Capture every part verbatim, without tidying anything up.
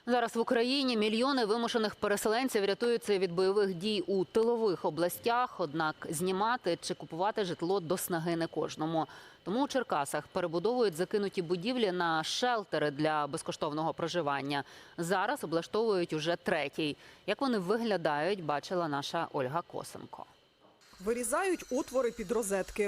Зараз в Україні мільйони вимушених переселенців рятуються від бойових дій у тилових областях, однак знімати чи купувати житло до снаги не кожному. Тому у Черкасах перебудовують закинуті будівлі на шелтери для безкоштовного проживання. Зараз облаштовують уже третій. Як вони виглядають, бачила наша Ольга Косенко. Вирізають отвори під розетки.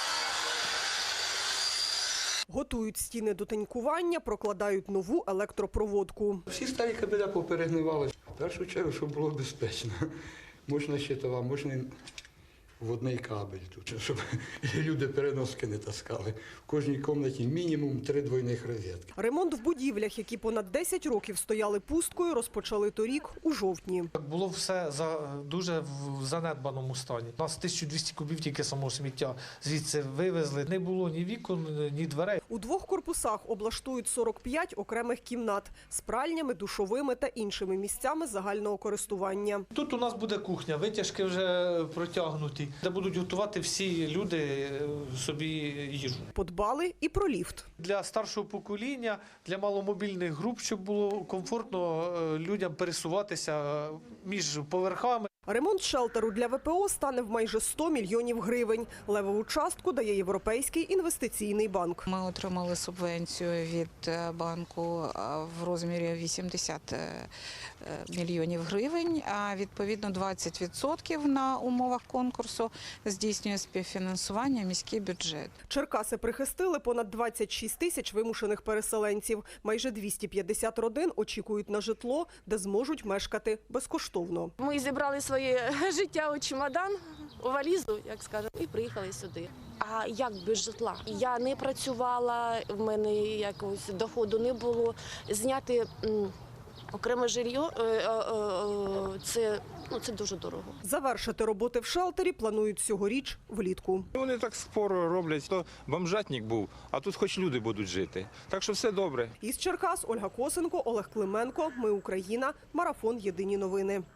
Готують стіни до тинькування, прокладають нову електропроводку. Всі старі кабеля поперегнивали. В першу чергу, щоб було безпечно. Можна щитова, можна водний кабель тут, щоб люди переноски не таскали. В кожній кімнаті мінімум три двойних розетки. Ремонт в будівлях, які понад десять років стояли пусткою, розпочали торік у жовтні. Було все за дуже в занедбаному стані. У нас тисяча двісті кубів тільки самого сміття звідси вивезли. Не було ні вікон, ні дверей. У двох корпусах облаштують сорок п'ять окремих кімнат з пральнями, душовими та іншими місцями загального користування. Тут у нас буде кухня, витяжки вже протягнуті, де будуть готувати всі люди собі їжу. Подбали і про ліфт. Для старшого покоління, для маломобільних груп, щоб було комфортно людям пересуватися між поверхами. Ремонт шелтеру для ВПО стане в майже сто мільйонів гривень. Левову частку дає Європейський інвестиційний банк. Ми отримали субвенцію від банку в розмірі вісімдесят мільйонів гривень, а відповідно двадцять відсотків на умовах конкурсу здійснює співфінансування міський бюджет. Черкаси прихистили понад двадцять шість тисяч вимушених переселенців. Майже двісті п'ятдесят родин очікують на житло, де зможуть мешкати безкоштовно. Ми зібрали своє життя у чемодан, у валізу, як скажемо, і приїхали сюди. А як без житла? Я не працювала, в мене якогось доходу не було. Зняти м, окреме жилье е, е, е, це, ну, це дуже дорого. Завершити роботи в шелтері планують цьогоріч влітку. Вони так споро роблять, то бомжатник був, а тут хоч люди будуть жити. Так що все добре. Із Черкас Ольга Косенко, Олег Клименко. Ми Україна. Марафон. Єдині новини.